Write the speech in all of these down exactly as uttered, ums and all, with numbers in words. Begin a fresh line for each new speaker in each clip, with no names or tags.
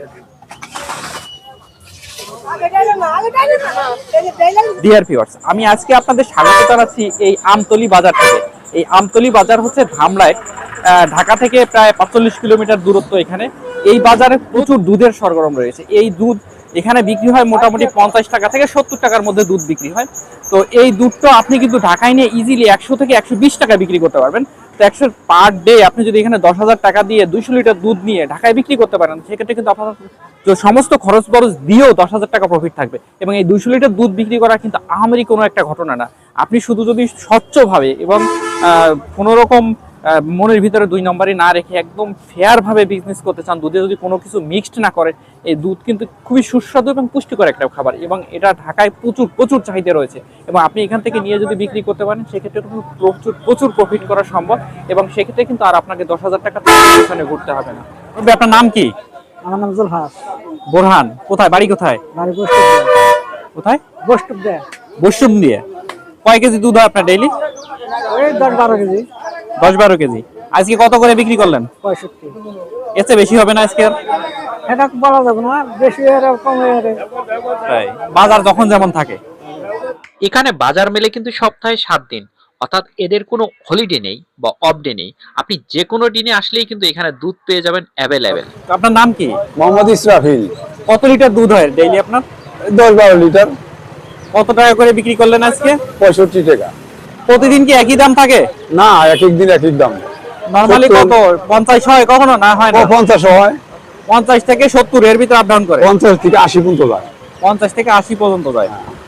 Dear viewers, আমি আজকে আপনাদের স্বাগত জানাচ্ছি এই আমতলী বাজার থেকে। এই আমতলী বাজার হচ্ছে ধামরায়, ঢাকা থেকে প্রায় পাঁচচল্লিশ কিলোমিটার দূরত্ব। এখানে এই বাজারে প্রচুর দুধের সরগরম রয়েছে। এই দুধ এখানে বিক্রি হয় মোটামুটি পঞ্চাশ টাকা থেকে সত্তর টাকার মধ্যে দুধ বিক্রি হয়। তো এই দুধটা আপনি কিন্তু ঢাকায় নিয়ে ইজিলি একশো থেকে একশো বিশ টাকা বিক্রি করতে পারবেন। তো একশো পার ডে আপনি যদি এখানে দশ হাজার টাকা দিয়ে দুইশো লিটার দুধ নিয়ে ঢাকায় বিক্রি করতে পারেন, সেক্ষেত্রে কিন্তু আপনার সমস্ত খরচ বরচ দিয়েও দশ হাজার টাকা প্রফিট থাকবে। এবং এই দুইশো লিটার দুধ বিক্রি করা কিন্তু আহামরি কোনো একটা ঘটনা না। আপনি শুধু যদি স্বচ্ছভাবে এবং কোনো রকম মনের ভিতরে দুই নম্বরই না রেখে একদম ফেয়ার ভাবে বিজনেস করতে চান, দুধে যদি কোনো কিছু মিক্সড না করে, এই দুধ কিন্তু খুবই সুস্বাদু এবং পুষ্টিকর একটা খাবার। এবং এটা ঢাকায় প্রচুর প্রচুর চাহিদা রয়েছে। এবং আপনি এখান থেকে নিয়ে যদি বিক্রি করতে পারেন, সেক্ষেত্রে কিন্তু প্রচুর প্রচুর প্রফিট করা সম্ভব। এবং সেক্ষেত্রে কিন্তু আর আপনাকে দশ হাজার টাকা এখানে ঘুরতে হবে না। আপনার নাম কি?
আমার নাম জুলহাস।
বোরহান। কোথায় বাড়ি? কোথায়
বাড়ি? বৈষ্ণব।
কোথায়?
বৈষ্ণব দিয়ে।
বৈষ্ণব দিয়ে। কয় কেজি দুধ হয় আপনার ডেইলি?
ওই দশ বারো কেজি।
দশ বারো কেজি। আজকে কত করে বিক্রি করলেন?
পঁয়ষট্টি।
এতে বেশি হবে না আজকে?
এটা বলা যাবে না, বেশি এর কম এর।
তাই বাজার যখন যেমন থাকে।
এখানে বাজার মেলে কিন্তু সপ্তাহে সাত দিন, অর্থাৎ এদের কোনো হলিডে নেই বা অফ ডে নেই। আপনি যে কোনো দিনে আসলেই কিন্তু এখানে দুধ পেয়ে যাবেন অ্যাভেলেবেল।
আপনার নাম কি?
মোহাম্মদ ইসরাফিল।
কত লিটার দুধ হয় ডেইলি আপনার?
দশ বারো লিটার।
কত টাকা করে বিক্রি করলেন আজকে?
পঁয়ষট্টি টাকা।
প্রতিদিন কি একই দাম থাকে?
না, এক এক দিন এক এক দাম।
নরমালি কত? পঞ্চাশ হয় কখনো? না হয় না?
পঞ্চাশ হয়।
পঞ্চাশ থেকে সত্তর এর ভিতরে আপ ডাউন করে।
পঞ্চাশ থেকে আশি পর্যন্ত যায়।
পঞ্চাশ থেকে আশি পর্যন্ত যায়।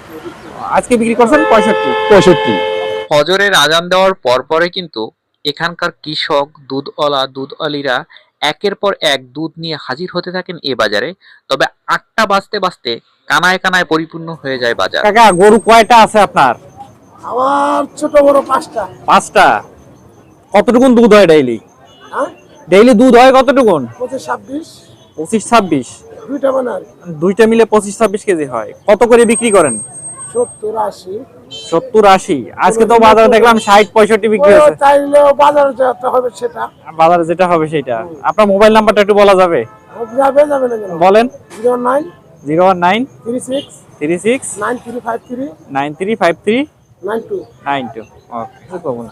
আজকে বিক্রি করছেন পঁয়ষট্টি।
পঁয়ষট্টি।
ফজরের আজান দেওয়ার পর পরে কিন্তু এখানকার কৃষক, দুধওয়ালা, দুধওয়ালিরা একের পর এক দুধ নিয়ে হাজির হতে থাকেন এই বাজারে। তবে আটটা বাজতে বাজতে কানায় কানায় পরিপূর্ণ হয়ে যায় বাজার।
কাকা, গরু কয়টা আছে আপনার?
আমার ছোট বড় পাঁচটা।
পাঁচটা। কতটুকুন দুধ হয় ডেইলি? ডেইলি দুধ হয় কতটুকুন?
পঁচিশ ছাব্বিশ।
পঁচিশ ছাব্বিশ।
দুইটা বানার।
দুইটা মিলে পঁচিশ ছাব্বিশ কেজি হয়। কত করে বিক্রি করেন?
সত্তর আশি।
সত্তর আশি। আজকে তো বাজারে দেখলাম ষাট পঁয়ষট্টি বিক্রি হচ্ছে।
চাইলেও বাজারে যেতে হবে, সেটা
বাজারে যেটা হবে সেটা। আপনার মোবাইল নাম্বারটা একটু বলা যাবে?
যাবে যাবে না কেন?
বলেন।
Zero nine
zero one nine
three six
three six
nine three five three
nine three five three
nine two
nine two. Okay, common.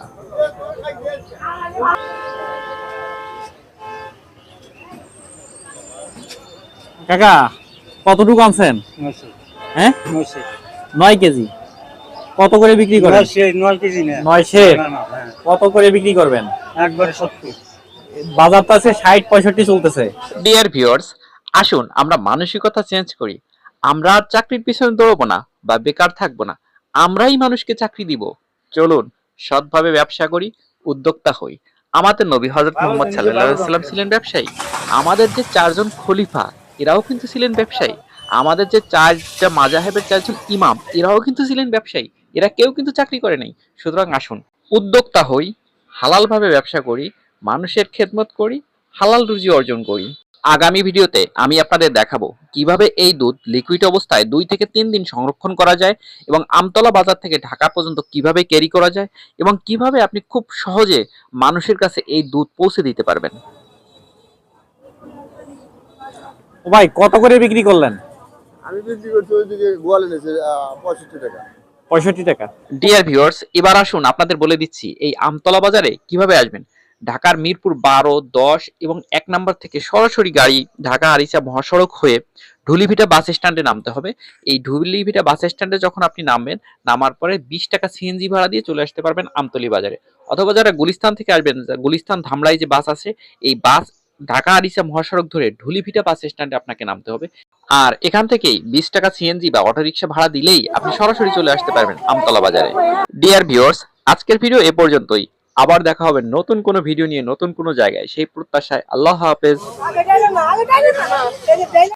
কাকা, কতটুকু আনছেন? হ্যাঁ, নয় কেজি। কত করে বিক্রি করেন?
নয় কেজি না,
নয় শের। কত করে বিক্রি করবেন?
একবারে সত্তর।
বাজার তো আছে ষাট পঁয়ষট্টি চলতেছে।
ডিয়ার ভিউয়ার্স, আসুন আমরা মানসিকতা চেঞ্জ করি। আমরা আর চাকরির পিছনে দৌড়বো না বা বেকার থাকবো না, আমরাই মানুষকে চাকরি দিব। চলুন সৎভাবে ব্যবসা করি, উদ্যোক্তা হই। আমাদের নবী হযরত মুহাম্মদ সাল্লাল্লাহু আলাইহি ওয়াসাল্লাম ছিলেন ব্যবসায়ী। আমাদের যে চারজন খলিফা, এরাও কিন্তু ছিলেন ব্যবসায়ী। আমাদের যে চারটা মাযহাবের চারজন ইমাম, এরাও কিন্তু ছিলেন ব্যবসায়ী। এরা কেউ কিন্তু চাকরি করে নাই। সুতরাং আসুন উদ্যোক্তা হই, হালাল ভাবে ব্যবসা করি, মানুষের খেদমত করি, হালাল রুজি অর্জন করি। আগামী ভিডিওতে আমি আপনাদের দেখাবো কিভাবে এই দুধ লিকুইড অবস্থায় দুই থেকে তিন দিন সংরক্ষণ করা যায়, এবং আমতলা বাজার থেকে ঢাকা পর্যন্ত কিভাবে ক্যারি করা যায়, এবং কিভাবে আপনি খুব সহজে মানুষের কাছে এই দুধ পৌঁছে দিতে পারবেন।
ও ভাই, কত করে বিক্রি করলেন?
আমি বিক্রি করছি ওইদিকে গোয়ালে নিয়েছে পঁয়ষট্টি টাকা।
পঁয়ষট্টি টাকা।
ডিয়ার ভিউয়ার্স, এবার আসুন আপনাদের বলে দিচ্ছি এই আমতলা বাজারে কিভাবে আসবেন। ঢাকার মিরপুর বারো, দশ এবং এক নম্বর থেকে সরাসরি গাড়ি ঢাকা আরিচা মহাসড়ক হয়ে ঢুলিভিটা বাস স্ট্যান্ডে নামতে হবে। এই ঢুলিভিটা বাস স্ট্যান্ডে যখন আপনি নামবেন, নামার পরে বিশ টাকা সিএনজি ভাড়া দিয়ে চলে আসতে পারবেন আমতলী বাজারে। অথবা যারা গুলিস্তান থেকে আসবেন, গুলিস্তান ধামরাই যে বাস আছে, এই বাস ঢাকা আরিচা মহাসড়ক ধরে ঢুলিভিটা বাস স্ট্যান্ডে আপনাকে নামতে হবে। আর এখান থেকেই বিশ টাকা সিএনজি বা অটোরিকশা ভাড়া দিলেই আপনি সরাসরি চলে আসতে পারবেন আমতলা বাজারে। ডিয়ার ভিউয়ার্স, আজকের ভিডিও এ পর্যন্তই। আবার দেখা হবে নতুন কোনো ভিডিও নিয়ে, নতুন কোনো জায়গায়। সেই প্রত্যাশায় আল্লাহ হাফেজ।